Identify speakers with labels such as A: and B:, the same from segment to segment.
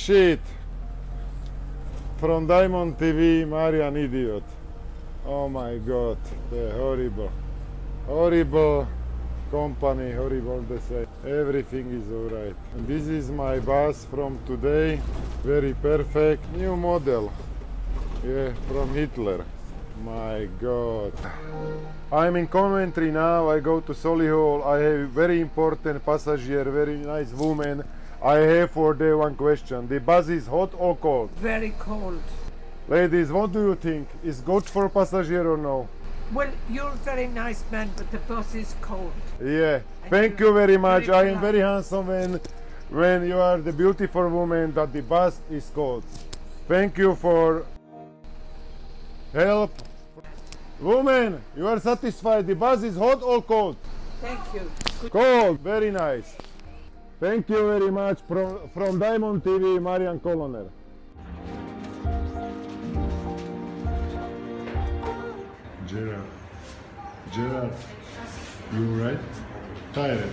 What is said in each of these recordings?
A: shit. From Diamond TV, Marian idiot. Oh my god, the horrible company, horrible they say. Everything is alright. And this is my bus from today, very perfect, new model. Yeah, from Hitler. My god. I'm in Coventry now, I go to Solihull, I have very important passenger, very nice woman. I have for the one question, the bus is hot or cold?
B: Very cold.
A: Ladies, what do you think? Is good for passenger or no?
B: Well, you're a very nice man, but the bus is cold.
A: Yeah, thank you very much.
B: Very
A: I am
B: polite.
A: very handsome when you are the beautiful woman that the bus is cold. Thank you for help. Woman, you are satisfied? The bus is hot or cold?
B: Thank you.
A: Cold, very nice. Thank you very much from Diamond TV, Marian Koloner. Gerard, you right? Tired?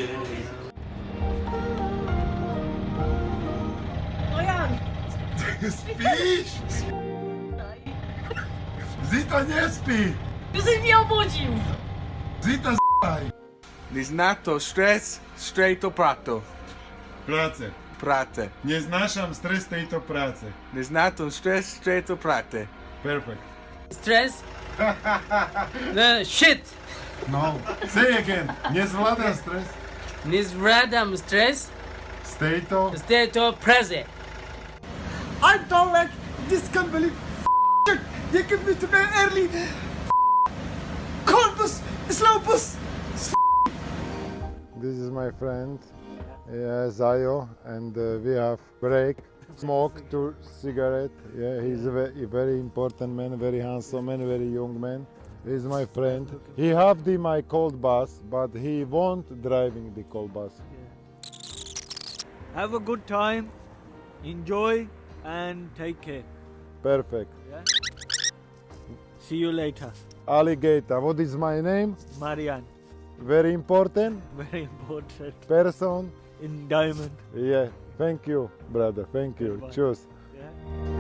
C: Marian!
A: Śpisz? Zita nie śpi!
C: Ty żeś mnie obudził!
A: Zita z***aj!
D: Neznato stres, straight to prato.
A: Pracę.
D: Prate.
A: Nie znášam stres tejto práce.
D: Neznato stres, straight to prate.
A: Perfect.
E: Stress? Shit!
A: No. Say again. Nie zvládam stres.
E: Nie zvládam stres,
A: Z tejto...
E: z to preze.
F: I don't like this company. Shit. They give me to bed early. Cold bus, slow bus.
A: This is my friend, Zayo, and we have break, smoke to cigarette. Yeah, he's a very important man, very handsome man, very young man. He's my friend. He have my cold bus, but he won't driving the cold bus.
G: Have a good time, enjoy, and take care.
A: Perfect.
G: Yeah? See you later.
A: Alligator. What is my name?
G: Marian,
A: Very important
G: very important
A: person.
G: in Diamond.
A: Yeah. Thank you, brother. Thank you.
G: Goodbye.
A: Cheers.
G: Yeah?